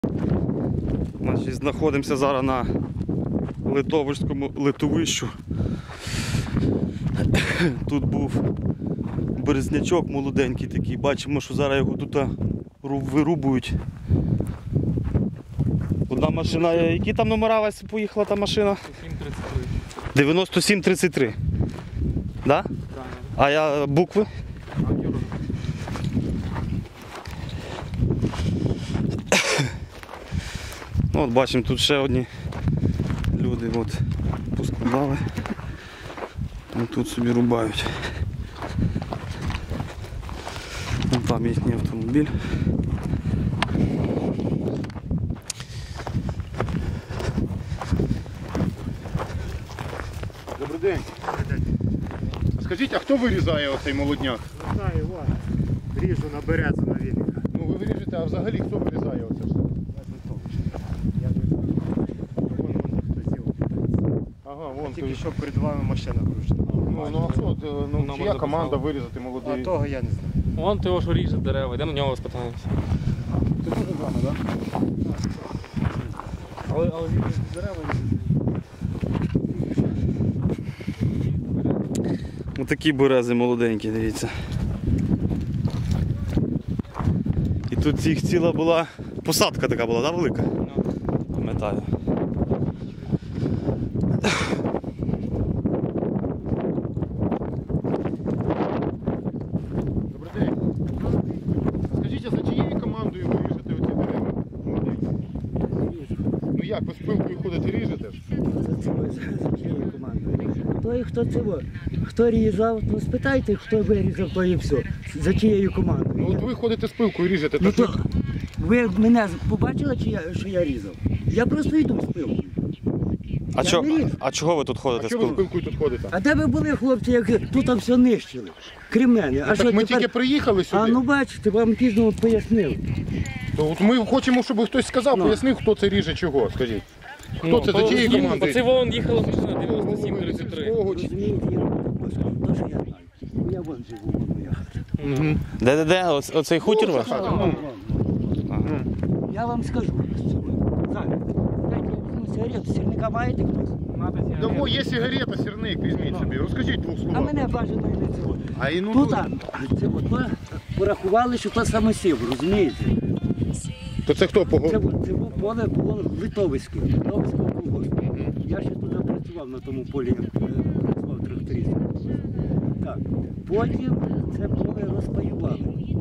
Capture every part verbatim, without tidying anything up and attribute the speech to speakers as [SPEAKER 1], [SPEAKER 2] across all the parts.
[SPEAKER 1] Значить, знаходимося зараз на Литовському литовищу. Тут був березнячок молоденький такий. Бачимо, що зараз його тут вирубують. Одна машина, які там номера Вася, поїхала та машина? дев'яносто сім тридцять три. Да? А я букви? Ну, от бачимо, тут ще одні люди от поскладали. І тут собі рубають. Вон там їхній автомобіль.
[SPEAKER 2] Добрий день. А скажіть, а хто вирізає оцей молодняк?
[SPEAKER 3] Не знаю, ладно. Ріжу на березу на вільника.
[SPEAKER 2] Ну ви виріжете, а взагалі хто вирізає оце все?
[SPEAKER 3] Я не знаю. Вон, вон хто зіл.
[SPEAKER 2] Ага, вон.
[SPEAKER 3] Тільки
[SPEAKER 2] ти-
[SPEAKER 3] що перед вами машина кружна.
[SPEAKER 2] Ну, ну а що, е, ну,
[SPEAKER 4] Нам
[SPEAKER 2] чия
[SPEAKER 4] можна
[SPEAKER 2] команда
[SPEAKER 4] писати.
[SPEAKER 2] вирізати
[SPEAKER 3] А
[SPEAKER 2] молодий?
[SPEAKER 3] того я не знаю.
[SPEAKER 4] Вон того, що ріже дерева, йдемо на нього спитаємося.
[SPEAKER 2] Ти теж з вами, так?
[SPEAKER 3] Але, але він дерева
[SPEAKER 1] Ось такі берези молоденькі, дивіться. І тут їх ціла була посадка така була, да, велика? Пам'ятаю.
[SPEAKER 2] Добрий день. А скажіть, а за чиєю командою ви ріжете оці дерева? молоденькі? Ну як, ви з пилкою ходите і ріжете ж?
[SPEAKER 5] Той, хто цього, хто різав, то спитайте, хто вирізав, то і все. За чиєю командою.
[SPEAKER 2] Ну от ви ходите з пилкою і ріжете,
[SPEAKER 5] Ну,
[SPEAKER 2] так
[SPEAKER 5] то ви мене побачили, чи я, що я різав? Я просто йду з пилкою.
[SPEAKER 1] А,
[SPEAKER 5] Я
[SPEAKER 1] чо,
[SPEAKER 5] не ріжу.
[SPEAKER 1] а чого ви тут
[SPEAKER 2] а
[SPEAKER 1] ходите? з
[SPEAKER 2] чого ви з
[SPEAKER 1] пилкою?
[SPEAKER 2] пилкою тут ходите?
[SPEAKER 5] А де ви були, хлопці, як тут там все нищили? Крім мене. А
[SPEAKER 2] Ну,
[SPEAKER 5] що
[SPEAKER 2] так ми
[SPEAKER 5] тепер?
[SPEAKER 2] тільки приїхали сюди.
[SPEAKER 5] А ну бачите, вам пізно пояснив.
[SPEAKER 2] То от ми хочемо, щоб хтось сказав,
[SPEAKER 5] Ну.
[SPEAKER 2] пояснив, хто це ріже чого, скажіть. Хто це, за чиєї команди?
[SPEAKER 4] Оце вон їхала машина дев'яносто сім тридцять три.
[SPEAKER 2] Свого чи-
[SPEAKER 5] Розумієте, я то, що я знаю. Ну, я вон живу, вон моя хата.
[SPEAKER 2] Мгм.
[SPEAKER 1] Де-де-де? Оц- Оцей хутір
[SPEAKER 2] Ну,
[SPEAKER 1] ваш?
[SPEAKER 2] це хата,
[SPEAKER 5] Вон,
[SPEAKER 2] ну.
[SPEAKER 5] вон, вон. Я вам скажу. Зараз. Дайте я візьму сигарету. Сірника маєте хтось?
[SPEAKER 2] Дамо, є сигарета, сірник, візьміть собі. Розкажіть двох
[SPEAKER 5] А
[SPEAKER 2] словах.
[SPEAKER 5] мене бажано і не цього.
[SPEAKER 2] А і ну,
[SPEAKER 5] Тут а, це от, ми порахували, що то самосів, розумієте?
[SPEAKER 2] то це хто
[SPEAKER 5] Це,
[SPEAKER 2] погодив?
[SPEAKER 5] бу- це був поле було Литовське, Литовського колгоспу. Я ще туди працював на тому полі, як е, працював трактористом. Так. Потім це поле розпаювали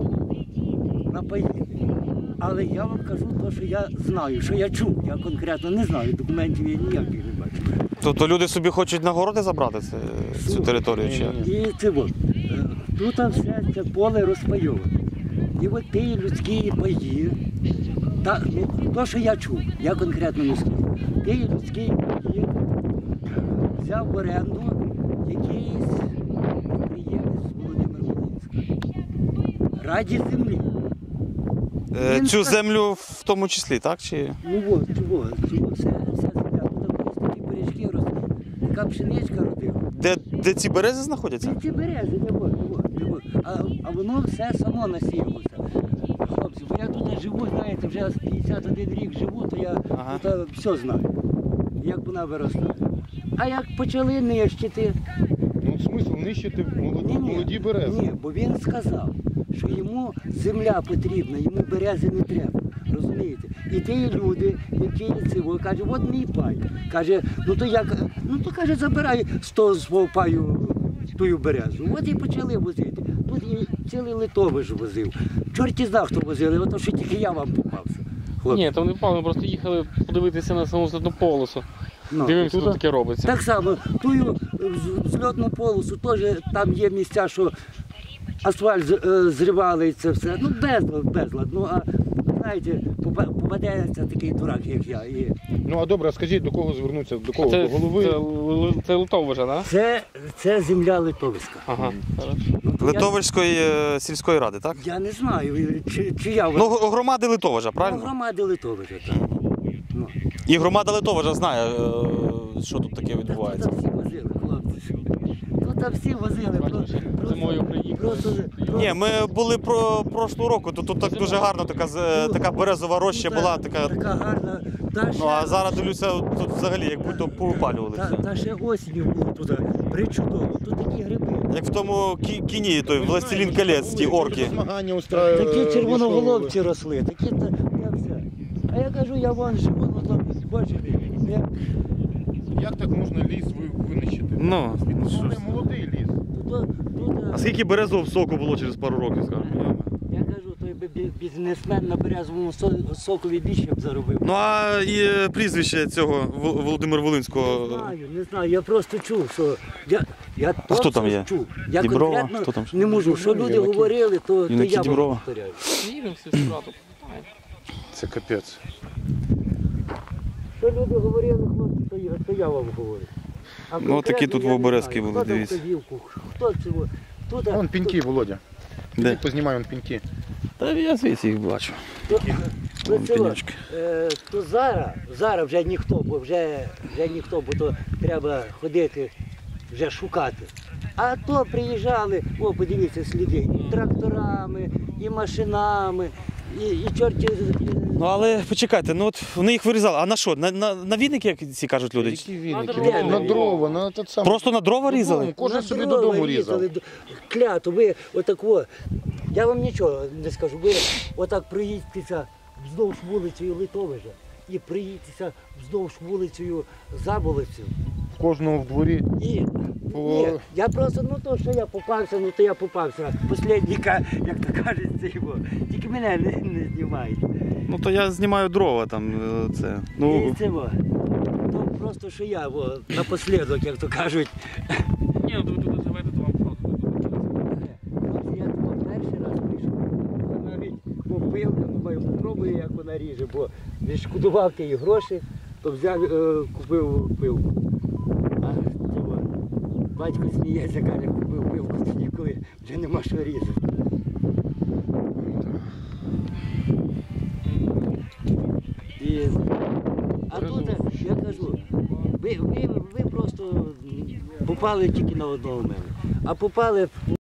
[SPEAKER 5] на паї. Але я вам кажу те, що я знаю, що я чув. Я конкретно не знаю, документів я ніяких не бачу.
[SPEAKER 1] Тобто люди собі хочуть на городи забрати це, цю територію? Чи? як?
[SPEAKER 5] І це от, е, тут все це поле розпайоване. І от ті людські паї, та, ну, то, що я чув, я конкретно не скажу. Ті людські паї взяв в оренду якийсь підприємець Володимир Волинський. Раді землі.
[SPEAKER 1] Е,
[SPEAKER 5] Він
[SPEAKER 1] Цю
[SPEAKER 5] ска-
[SPEAKER 1] землю в тому числі, так? Чи?
[SPEAKER 5] Ну от, чого, чого, все, вся земля. Тут колись такі пиріжки росли, така пшеничка родила.
[SPEAKER 1] Де, де ці берези знаходяться?
[SPEAKER 5] Ці, ці берези, не вот, не вот, не вот. А, а воно все само насіялося. Хлопці, бо я тут живу, знаєте, вже п'ятдесят один рік живу, то я
[SPEAKER 1] Ага.
[SPEAKER 5] тут все знаю, як вона виростає. А як почали нищити,
[SPEAKER 2] Ну, смисл нищити молоді, молоді берези.
[SPEAKER 5] ні, бо він сказав, що йому земля потрібна, йому берези не треба. Розумієте? І ті люди, які цього, каже, от мій пай. Каже, ну то як, ну то каже, забирай з того свого паю тую березу. От і почали возити. Тут і цілий Литовиш возив. Чорті знав, хто возили, ото що тільки я вам попався. Хлопці.
[SPEAKER 4] Ні, там не впав, ми просто їхали подивитися на саму злітну полосу.
[SPEAKER 5] Ну,
[SPEAKER 4] Дивимося,
[SPEAKER 5] тут-
[SPEAKER 4] що таке робиться.
[SPEAKER 5] Так само, тую з- зльотну полосу теж там є місця, що асфальт з- е, зривали і це все. Ну, безлад, безлад. Ну, а знаєте, попа- попадеться такий дурак, як я. І
[SPEAKER 2] Ну а добре, а скажіть, до кого звернутися? До кого?
[SPEAKER 4] Це,
[SPEAKER 2] До голови?
[SPEAKER 4] це, Л- це Литовижа, так?
[SPEAKER 5] це, це земля Литовська.
[SPEAKER 4] Ага, хорошо.
[SPEAKER 5] Ну, то
[SPEAKER 1] Литовської е, сільської ради, так?
[SPEAKER 5] Я, я не знаю, чи, чи я
[SPEAKER 1] Ну, г- громади Литовижа, правильно?
[SPEAKER 5] громади Литовича. Так. Ну.
[SPEAKER 1] І громада Литовижа знає, е, що тут таке
[SPEAKER 5] Та
[SPEAKER 1] відбувається.
[SPEAKER 5] тут всі возили, хлопці. тут там всі возили.
[SPEAKER 4] Бачиш,
[SPEAKER 5] просто-
[SPEAKER 4] зимою приїхали.
[SPEAKER 5] Просто,
[SPEAKER 1] Ні, ми були про прошлого року, то тут так дуже гарно така, з- така березова роща була, така.
[SPEAKER 5] Така гарна. Та
[SPEAKER 1] Ну
[SPEAKER 5] ще-
[SPEAKER 1] а зараз дивлюся, тут взагалі як будь-то повипалювали
[SPEAKER 5] Та,
[SPEAKER 1] все.
[SPEAKER 5] та ще осінню було туди. Причудово. Тут такі гриби.
[SPEAKER 1] Як в тому кі- кіні, той Властелін колець, ті орки.
[SPEAKER 2] Змагання устраювали.
[SPEAKER 5] Такі червоноголовці росли, такі та я все. А я кажу, я вон живу, ну то бачите, як
[SPEAKER 2] Як так можна ліс ви- винищити?
[SPEAKER 1] Ну,
[SPEAKER 2] Він
[SPEAKER 1] що
[SPEAKER 2] не
[SPEAKER 1] ж.
[SPEAKER 2] молодий ліс.
[SPEAKER 5] тут, тут
[SPEAKER 1] А скільки березового соку було через пару років, скажімо?
[SPEAKER 5] я кажу, той би бі- бізнесмен на березовому со- сокові більше б заробив.
[SPEAKER 1] Ну а і е, прізвище цього Вол- Володимира
[SPEAKER 5] Не
[SPEAKER 1] Волинського.
[SPEAKER 5] знаю, не знаю, я просто чув, що я, я
[SPEAKER 1] А хто там
[SPEAKER 5] точно
[SPEAKER 1] є?
[SPEAKER 5] чув. Я
[SPEAKER 1] Діброва?
[SPEAKER 5] конкретно
[SPEAKER 1] Хто там?
[SPEAKER 5] не можу, що люди говорили, то, то
[SPEAKER 1] Юнаки
[SPEAKER 5] я вам
[SPEAKER 1] Діброва?
[SPEAKER 5] повторяю.
[SPEAKER 4] Їдемо всі справді.
[SPEAKER 2] Це капець.
[SPEAKER 5] Що люди говорили, хлопці, то я, то я вам говорю. А
[SPEAKER 1] Ну,
[SPEAKER 5] конкретно
[SPEAKER 1] такі тут
[SPEAKER 5] я не
[SPEAKER 1] оберезки
[SPEAKER 5] знаю,
[SPEAKER 1] були,
[SPEAKER 5] хто дав
[SPEAKER 1] дивіться.
[SPEAKER 5] вказівку, Хто цього? Тут,
[SPEAKER 2] Вон піньки, Володя.
[SPEAKER 1] Де?
[SPEAKER 2] Познімай вон піньки.
[SPEAKER 1] Та я звідси їх бачу.
[SPEAKER 5] То, то,
[SPEAKER 1] Вон
[SPEAKER 5] цього,
[SPEAKER 1] пеньочки.
[SPEAKER 5] е, то зараз, зараз вже ніхто, бо вже, вже ніхто, бо то треба ходити, вже шукати. А то приїжджали, о, подивіться, сліди, і тракторами, і машинами, і, і чорті.
[SPEAKER 1] Ну але почекайте, ну от вони їх вирізали. А на що? На, на, на вінники, як ці кажуть люди?
[SPEAKER 2] Які віники?
[SPEAKER 4] На
[SPEAKER 2] Ну,
[SPEAKER 5] дрова.
[SPEAKER 2] На дрова, на те саме.
[SPEAKER 1] Просто на дрова різали?
[SPEAKER 2] Додому, Кожен
[SPEAKER 5] На
[SPEAKER 2] собі
[SPEAKER 5] дрова
[SPEAKER 2] додому
[SPEAKER 5] різали,
[SPEAKER 2] різав.
[SPEAKER 5] д- Клято, ви отак о, я вам нічого не скажу, ви отак проїдьтеся вздовж вулицею Литовижа і приїдьтеся вздовж вулицею Заболицю.
[SPEAKER 2] В кожного в дворі.
[SPEAKER 5] І
[SPEAKER 2] По-
[SPEAKER 5] ні, я просто, ну то, що я попався, ну то я попався. Послідника, як то кажуть, це його. Тільки мене не, не знімають.
[SPEAKER 1] Ну то я знімаю дрова там. е, Це.
[SPEAKER 5] І
[SPEAKER 1] Ну,
[SPEAKER 5] це во. То просто, що я во, напослідок, як то кажуть.
[SPEAKER 4] Ні, ну ви тут живете, то вам просто.
[SPEAKER 5] Хлопці, я того перший раз вийшов. Я навіть попилка, думаю, попробую, як вона ріже, бо відшкодував ті гроші, то взяв, е, купив пилку. А цього, батько сміється, каже, купив пилку тоді, коли вже нема що різати. І, а тут, я кажу, ви, ви, ви просто попали тільки на одного мене. А попали в